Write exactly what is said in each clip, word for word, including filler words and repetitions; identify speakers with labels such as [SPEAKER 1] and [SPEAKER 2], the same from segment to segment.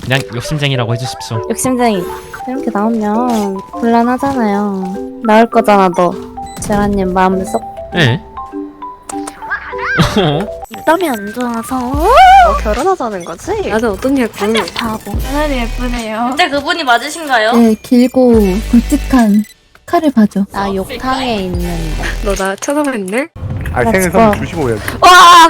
[SPEAKER 1] 그냥 욕심쟁이라고 해주십시오.
[SPEAKER 2] 욕심쟁이. 이렇게 나오면 곤란하잖아요. 나올 거잖아 너. 제라님 마음을 쏙.
[SPEAKER 1] 예?
[SPEAKER 2] 입담이 안 좋아서.
[SPEAKER 3] 어, 결혼하자는 거지?
[SPEAKER 2] 나도 어떤 예쁜
[SPEAKER 3] 바보.
[SPEAKER 4] 하늘이 예쁘네요.
[SPEAKER 5] 근데 그분이 맞으신가요?
[SPEAKER 4] 네, 길고 굵직한 칼을 봐줘.
[SPEAKER 2] 나 욕탕에 있는데.
[SPEAKER 3] 너 나 쳐다봤네?
[SPEAKER 6] 아
[SPEAKER 2] Let's
[SPEAKER 6] 생일
[SPEAKER 2] go.
[SPEAKER 6] 선물 주시고 해야지.
[SPEAKER 2] 와!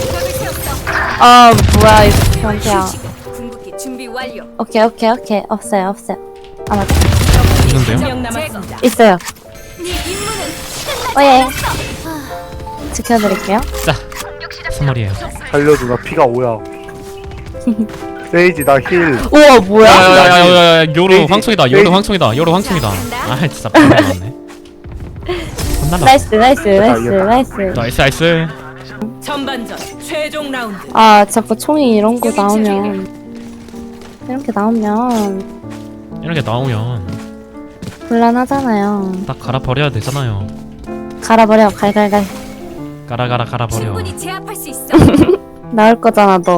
[SPEAKER 2] 아 뭐야 이 변태야.
[SPEAKER 5] 궁극기 준비 완료.
[SPEAKER 2] 오케이 오케이 오케이 없어요 없어요. 아 맞다.
[SPEAKER 1] 있는데요?
[SPEAKER 5] 명 남았습니다.
[SPEAKER 2] 있어요.
[SPEAKER 5] 네 임무는
[SPEAKER 2] 오예. 지켜드릴게요.
[SPEAKER 1] 자, 선물이에요.
[SPEAKER 6] 살려줘 나 피가 오야. 세이지 나 힐.
[SPEAKER 2] 우와 뭐야?
[SPEAKER 1] 야야야야야, 요로
[SPEAKER 6] 세이지,
[SPEAKER 1] 황총이다. 요로
[SPEAKER 6] 세이지.
[SPEAKER 1] 황총이다. 요로 황총이다. 아 진짜 나왔네. 혼나라.
[SPEAKER 2] 나이스 나이스 나이스
[SPEAKER 6] 이겼다.
[SPEAKER 2] 나이스.
[SPEAKER 1] 나이스 나이스.
[SPEAKER 5] 전반전 최종 라운드.
[SPEAKER 2] 아 자꾸 총이 이런 거 나오면 이렇게 나오면
[SPEAKER 1] 이렇게 나오면
[SPEAKER 2] 곤란하잖아요.
[SPEAKER 1] 딱 갈아 버려야 되잖아요.
[SPEAKER 2] 갈아버려 갈갈갈.
[SPEAKER 1] 갈아 갈아 갈아 버려.
[SPEAKER 5] 충분히 제압할 수 있어.
[SPEAKER 2] 나올 거잖아 너.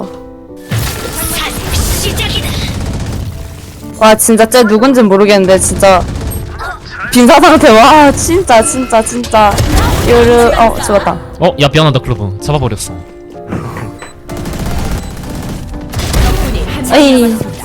[SPEAKER 5] 시작이다.
[SPEAKER 2] 와 진짜 쟤 누군진 모르겠는데 진짜 빈사 상태. 와 진짜 진짜 진짜 요르 어 죽었다.
[SPEAKER 1] 어, 야 미안하다 클로브. 잡아버렸어.
[SPEAKER 5] 적군이 한명
[SPEAKER 2] 어이.
[SPEAKER 5] 남았습니다.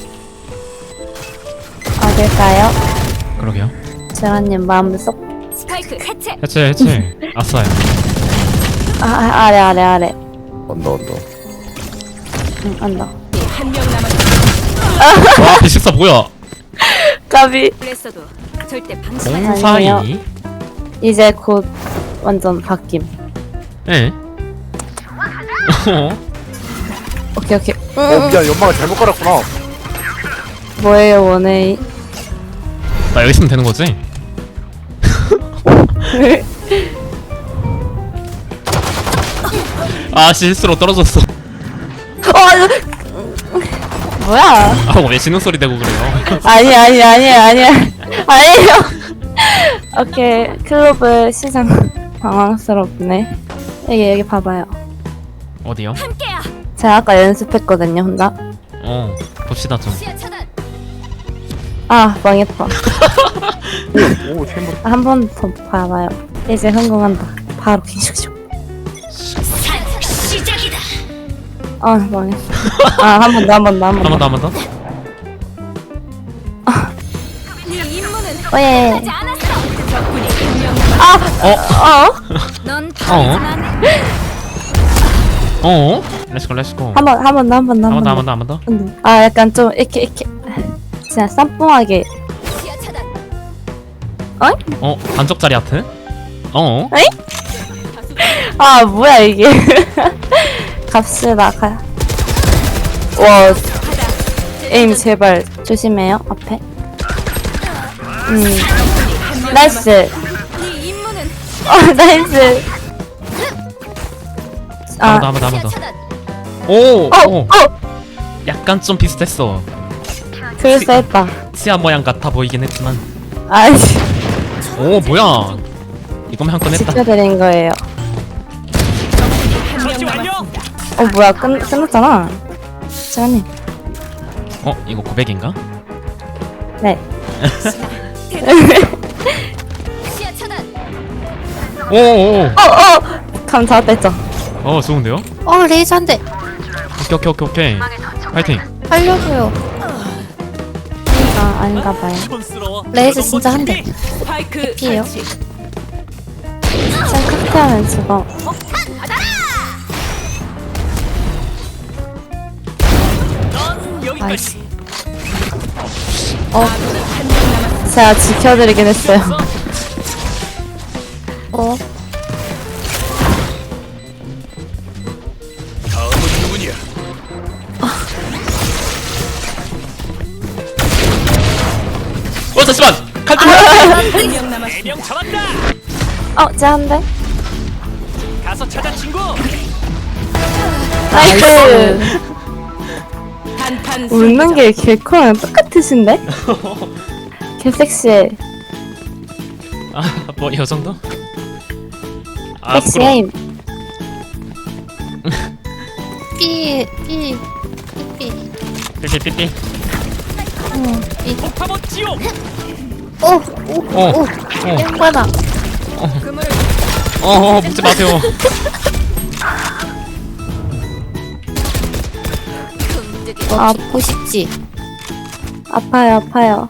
[SPEAKER 2] 어딜까요?
[SPEAKER 1] 그러게요.
[SPEAKER 2] 제라님 마음을 쏙.
[SPEAKER 5] 스파이크 해체.
[SPEAKER 1] 해체 해체. 아싸요.
[SPEAKER 2] 아, 아 아래 아래 아래.
[SPEAKER 6] 언더 언더.
[SPEAKER 2] 응 안다.
[SPEAKER 5] 한명 남았습니다.
[SPEAKER 1] 와 비식사 뭐야?
[SPEAKER 2] 까비.
[SPEAKER 5] 그랬어도 절대 방심하지
[SPEAKER 2] 공-
[SPEAKER 1] 공사이.
[SPEAKER 2] 아니에요. 이제 곧 완전 바뀜.
[SPEAKER 1] 예? 어?
[SPEAKER 2] 오케이 오케이.
[SPEAKER 6] 어 미안 연막을 잘못 깔았구나.
[SPEAKER 2] 뭐예요 원웨이?
[SPEAKER 1] 나 여기 있으면 되는 거지? 아 실수로 떨어졌어.
[SPEAKER 2] 뭐야?
[SPEAKER 1] 아왜 지는 소리 내고 그래요?
[SPEAKER 2] 아니 아니 아니 아니 아니에요. 오케이 클로브 시장 당황스럽네. 여기 여기 봐봐요.
[SPEAKER 1] 어디요?
[SPEAKER 5] 함께야.
[SPEAKER 2] 제가 아까 연습했거든요 혼자.
[SPEAKER 1] 어 봅시다 좀.
[SPEAKER 5] 시야 차단.
[SPEAKER 2] 아 망했다.
[SPEAKER 6] 오 챔버.
[SPEAKER 2] 한 번 더 봐봐요. 이제 성공한다. 바로 킹슉슉.
[SPEAKER 5] 시작이다.
[SPEAKER 2] 아 망했어. 아한 번 더 한 번 더 한
[SPEAKER 1] 한
[SPEAKER 2] 번
[SPEAKER 1] 번 더
[SPEAKER 2] 더.
[SPEAKER 1] 한 번 더.
[SPEAKER 5] 네 임무는
[SPEAKER 2] 오예.
[SPEAKER 5] 하지 않았어. 적군이 한명 남았.
[SPEAKER 1] 어?
[SPEAKER 2] 어?
[SPEAKER 5] 넌
[SPEAKER 1] 어?
[SPEAKER 5] 방심하네.
[SPEAKER 1] 어? 렛츠고 렛츠고.
[SPEAKER 2] 한 번 한 번 더 한 번 더
[SPEAKER 1] 한
[SPEAKER 2] 한
[SPEAKER 1] 번 더 한
[SPEAKER 2] 번
[SPEAKER 1] 번 더 한 번 더.
[SPEAKER 2] 더. 아 약간 좀 이렇게 이렇게 진짜 쌈뽕하게.
[SPEAKER 5] 시야 차단.
[SPEAKER 1] 어? 반쪽짜리 하트? 어?
[SPEAKER 2] 아 뭐야 이게. 갑시다 가. 와 에임 제발 조심해요 앞에. 음 나이스.
[SPEAKER 5] 네 임무는
[SPEAKER 2] 어 나이스.
[SPEAKER 1] 한
[SPEAKER 2] 아
[SPEAKER 1] 번 더 한 번 더 한 번
[SPEAKER 5] 시야
[SPEAKER 1] 더.
[SPEAKER 5] 차단.
[SPEAKER 1] 오!
[SPEAKER 2] 어,
[SPEAKER 1] 오!
[SPEAKER 2] 어,
[SPEAKER 1] 약간 좀 비슷했어.
[SPEAKER 2] 그럴싸했다.
[SPEAKER 1] 치아 모양 같아 보이긴 했지만.
[SPEAKER 2] 아이씨,
[SPEAKER 1] 오 뭐야? 이거면 한 건 했다.
[SPEAKER 2] 지켜드린 거예요.
[SPEAKER 5] 한명 남았습니다.
[SPEAKER 2] 어, 뭐야, 끝, 끝났잖아. 시간님.
[SPEAKER 1] 어? 이거 구백인가?
[SPEAKER 2] 네.
[SPEAKER 5] 시야 차단.
[SPEAKER 1] 오오오.
[SPEAKER 2] 어, 어! 감 잡았다 했죠.
[SPEAKER 1] 어 좋은데요?
[SPEAKER 4] 어, 레이저 한 대.
[SPEAKER 1] 오케이 오케이 오케이 오케이. 파이팅.
[SPEAKER 4] 살려줘요.
[SPEAKER 2] 아, 아닌가 봐요.
[SPEAKER 4] 레이저 진짜 한 대.
[SPEAKER 5] 스파이크
[SPEAKER 4] 피해요.
[SPEAKER 5] 설치.
[SPEAKER 2] 참 칵테하면 죽어.
[SPEAKER 4] 나이스.
[SPEAKER 2] 어, 제가 지켜드리긴 했어요.
[SPEAKER 4] 어,
[SPEAKER 1] 어 잠시만. 칼좀.
[SPEAKER 5] 한명 남았습니다.
[SPEAKER 2] 어, 쟤한데?
[SPEAKER 7] 가서 찾아 친구.
[SPEAKER 2] 나이스.
[SPEAKER 5] 단판
[SPEAKER 2] 웃는 게 개코랑 똑같으신데? 개섹시해.
[SPEAKER 1] 아뭐 이 정도? 아 부끄러워.
[SPEAKER 2] 섹시해임.
[SPEAKER 4] 삐, 삐, 삐, 삐.
[SPEAKER 1] 삐삐삐삐.
[SPEAKER 7] 폭파봇 지옥.
[SPEAKER 1] 어. 어.
[SPEAKER 4] 양반아.
[SPEAKER 1] 어. 어. 묻지 마세요.
[SPEAKER 2] 아프고 싶지. 아파요, 아파요.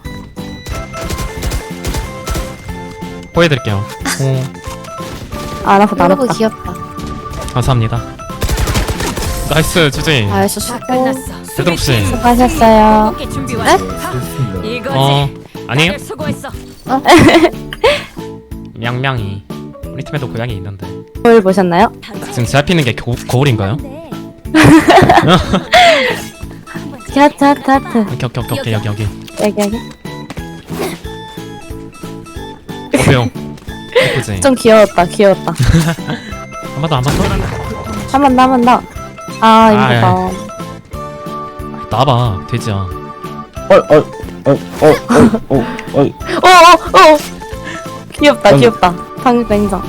[SPEAKER 1] 보여드릴게요. 어.
[SPEAKER 2] 안 아파, 안
[SPEAKER 4] 너무
[SPEAKER 2] 아파.
[SPEAKER 4] 귀엽다.
[SPEAKER 1] 감사합니다. 나이스 주제.
[SPEAKER 2] 아이스 수고.
[SPEAKER 5] 끝났어.
[SPEAKER 1] 제드록 씨.
[SPEAKER 2] 수고하셨어요.
[SPEAKER 5] 게 준비 완료. 이거지.
[SPEAKER 1] 어 아니에요?
[SPEAKER 5] 다들 수고했어.
[SPEAKER 1] 냥냥이. 우리 팀에도 고양이 있는데.
[SPEAKER 2] 거울 보셨나요?
[SPEAKER 1] 지금 제 앞에 있는 게 고, 거울인가요?
[SPEAKER 2] 하트, 하트, 하트.
[SPEAKER 1] 오케이 오케이 오케이 오케이 여기 여기.
[SPEAKER 2] 여기, 여기.
[SPEAKER 1] 어때요? 예쁘지?
[SPEAKER 2] 좀 귀여웠다, 귀여웠다.
[SPEAKER 1] 한 번 더 한 번 더.
[SPEAKER 2] 한 번 더, 한 번 더. 아,
[SPEAKER 1] 아,
[SPEAKER 2] 이거다.
[SPEAKER 1] 나와봐 돼지야.
[SPEAKER 2] 오, 오, 오! 귀엽다, 귀엽다. 방금 인정.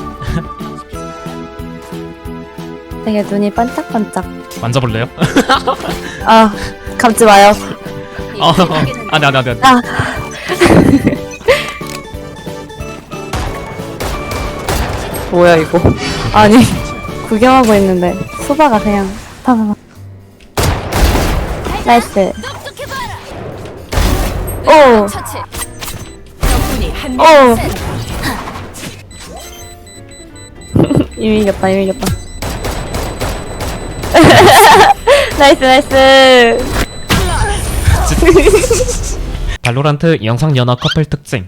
[SPEAKER 2] 되게 눈이 반짝반짝.
[SPEAKER 1] 만져볼래요?
[SPEAKER 2] 아, 감지 마요.
[SPEAKER 1] 어, 어, 아니 아니 아니 아니.
[SPEAKER 2] 아. 뭐야, 이거. 아니, 구경하고 있는데, 소바가 그냥, 파파파. 나이스. 오!
[SPEAKER 5] 처치. 적군이 한
[SPEAKER 2] 오!
[SPEAKER 5] 명.
[SPEAKER 2] 이미 이겼다, 이미 이겼다. 나이스, 나이스.
[SPEAKER 1] 발로란트 영상 연하 커플 특징.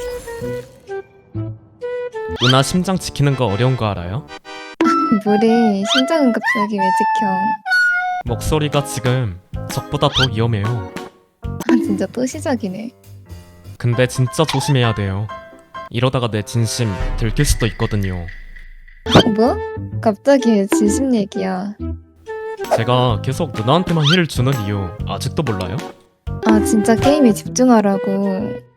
[SPEAKER 1] 누나 심장 지키는 거 어려운 거 알아요?
[SPEAKER 4] 뭐래? 심장은 갑자기 왜 지켜?
[SPEAKER 1] 목소리가 지금 적보다 더 위험해요.
[SPEAKER 4] 아 진짜 또 시작이네.
[SPEAKER 1] 근데 진짜 조심해야 돼요. 이러다가 내 진심 들킬 수도 있거든요.
[SPEAKER 4] 뭐? 갑자기 왜 진심 얘기야?
[SPEAKER 1] 제가 계속 누나한테만 힐을 주는 이유 아직도 몰라요?
[SPEAKER 4] 아 진짜 게임에 집중하라고.